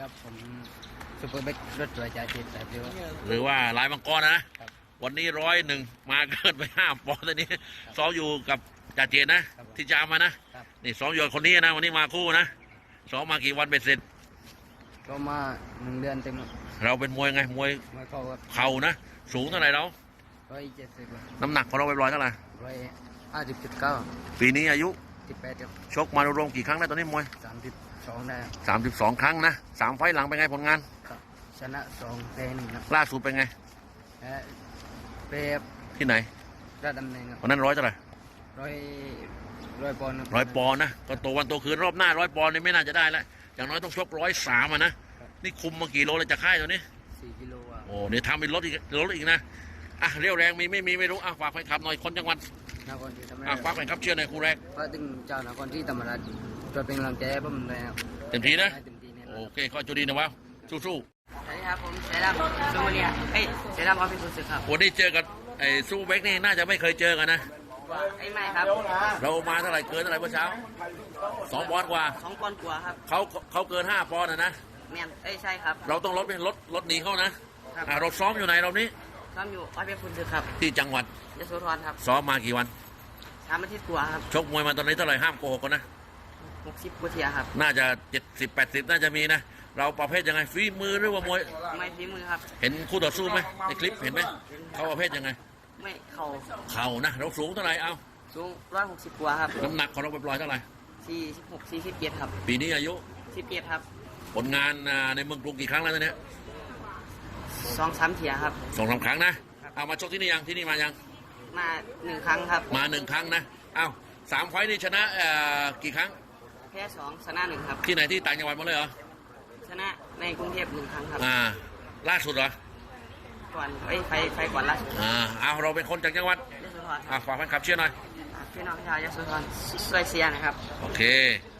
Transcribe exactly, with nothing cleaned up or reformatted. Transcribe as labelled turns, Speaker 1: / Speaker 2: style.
Speaker 1: ครับผมซุปเปอร์เบกรถตัวจ่าเจ็ดแต่เดียว
Speaker 2: หรือว่าลายมังกรนะวันนี้ร้อยหนึ่งมาเกินไปห้าปอนด์ตอนนี้ซ้อมอยู่กับจ่าเจนนะที่จามมานะนี่ซ้อมอยู่กับคนนี้นะวันนี้มาคู่นะซ้อมมากี่วันเป็นเสร็จ
Speaker 1: ก็มาหนึ่งเดือนเต็ม
Speaker 2: เราเป็นมวยไงมวย
Speaker 1: มาเข้าครับ
Speaker 2: เข่านะสูงเท่าไหร่เรา
Speaker 1: ร้อยเจ็ดสิบ
Speaker 2: น้ำหนักของเราไปร้อยเท่าไหร่
Speaker 1: ร้อยห้าสิบจุดเก้า
Speaker 2: ปีนี้อายุ
Speaker 1: สิบแปดครับ
Speaker 2: ชกมารวมๆกี่ครั้งแล้วตอนนี้มวย
Speaker 1: สามสิบสองได้
Speaker 2: สามสิบสองครั้งนะสามไฟต์หลังเป็นไงผลงาน
Speaker 1: ครับชนะสองแพ้หนึ่งครับ
Speaker 2: ล่าสุดเป็นไง
Speaker 1: แพ้เปรบ
Speaker 2: ที่ไหน
Speaker 1: ระดำเนินครับ
Speaker 2: วันนั้นร้อยเท่าไหร่
Speaker 1: ร้อยร้อยปอนด์คบ
Speaker 2: ร้อยปอนด์นะก็โตวันโตคืนรอบหน้าร้อยปอนด์นี่ไม่น่าจะได้แล้วอย่างน้อยต้องชกร้อยสามอ่ะนะนี่คุมมากี่โลเลยจะค่ายตัวนี้
Speaker 1: สี่กิโลอ่ะ
Speaker 2: โอ้เนี่ยทำเป็นรถอีกรถอีกนะอ่ะเรียวแรงมีไม่มีไม่รู้อ่ะฝากแฟนคลับหน่อยคนจังหวัด
Speaker 1: นครที่ทำ
Speaker 2: อ่ะ
Speaker 1: ได้
Speaker 2: ฝากแฟนคลับเชื่อในอยคู่แรก
Speaker 1: ก็ถึงเจ้านครที่ธรรมราชจะเป็นกำลังใจให้ผมเลยครับ
Speaker 2: เต็มที่นะ
Speaker 1: ให้เต็มที่แน่นอน
Speaker 2: โอเคข้อจุดีนะวะสู้
Speaker 1: สวัสดีครับผมเสดามซูมาเนียเอ้ยเสดามออฟฟิศสุดสึกครับ
Speaker 2: ๆวันนี้เจอกับไอ้ซูเบกนี่น่าจะไม่เคยเจอกันนะ
Speaker 1: ไอ้ไม่ครับ
Speaker 2: เรามาเท่าไหร่เกินเท่าไหร่เมื่อเช้าสองปอนด์กว่า
Speaker 1: สองปอนด์กว่าครับ
Speaker 2: เขาเขาเกินห้าปอนด์นะนะ
Speaker 1: แมนเอ้ยใช่ครับ
Speaker 2: เราต้องลดเป็นลดลดหนีเขานะครับ อ่ะเราซ้อมอยู่ไหนเรานี้
Speaker 1: ซ้อมอยู่ออฟฟิศสุดสึกครับ
Speaker 2: ที่จังหวัด
Speaker 1: ยโสธรครับ
Speaker 2: ซ้อมมากี่วัน
Speaker 1: สามอาทิตย์กว่าครับ
Speaker 2: ชกมวยมาตอนนี้เท่าไหร่ห้ามโกหกกันนะ
Speaker 1: หกสิบกว่าเทียครับ
Speaker 2: น่าจะเจ็ดสิบแปดสิบน่าจะมีนะเราประเภทยังไงฝีมือหรือว่ามวย
Speaker 1: ไม่ฝีมือครับ
Speaker 2: เห็นคู่ต่อสู้ไหมในคลิปเห็นไหมเขาประเภทยังไง
Speaker 1: ไม่เข่า
Speaker 2: เข่านะเราสูงเท่าไหร่เอา
Speaker 1: สูงร้อยหกสิบกว่าครับ
Speaker 2: น้ำหนักของเราไปปล่อยๆเท่าไหร่
Speaker 1: สี่สิบหกสี่สิบเจ็ดครับ
Speaker 2: ปีนี้อายุ
Speaker 1: สิบเจ็ดครับ
Speaker 2: ผลงานอ่าในเมืองกรุงกี่ครั้งแล้วตอนเนี้ย
Speaker 1: สองสามเทียครับ
Speaker 2: สองสามครั้งนะเอามาชกที่นี่ยังที่นี่มายัง
Speaker 1: มาหนึ่งครั้งครับ
Speaker 2: มาหนึ่งครั้งนะเอาสามไฟต์นี่ชนะเอ่อกี่ครั้ง
Speaker 1: แพ้สองชนะหนึ่งครับ
Speaker 2: ที่ไหนที่ต่างจังหวัดหมดเลยเหรอ
Speaker 1: ชนะในกรุงเทพหนึ่งครั้งครับ
Speaker 2: อ่าล่าสุดเหรอ
Speaker 1: ก่อนเอ้ยไฟไฟก่อนล่าสุด
Speaker 2: อ่าเอาเราเป็นคนจากจังหวัด
Speaker 1: ยโสธรค
Speaker 2: อ่า
Speaker 1: รับ
Speaker 2: ฝากแฟนคลับเชื่อหน่อย
Speaker 1: พี่น้องชาวยโสธรช่วยเชียร์นะครับ
Speaker 2: โอเค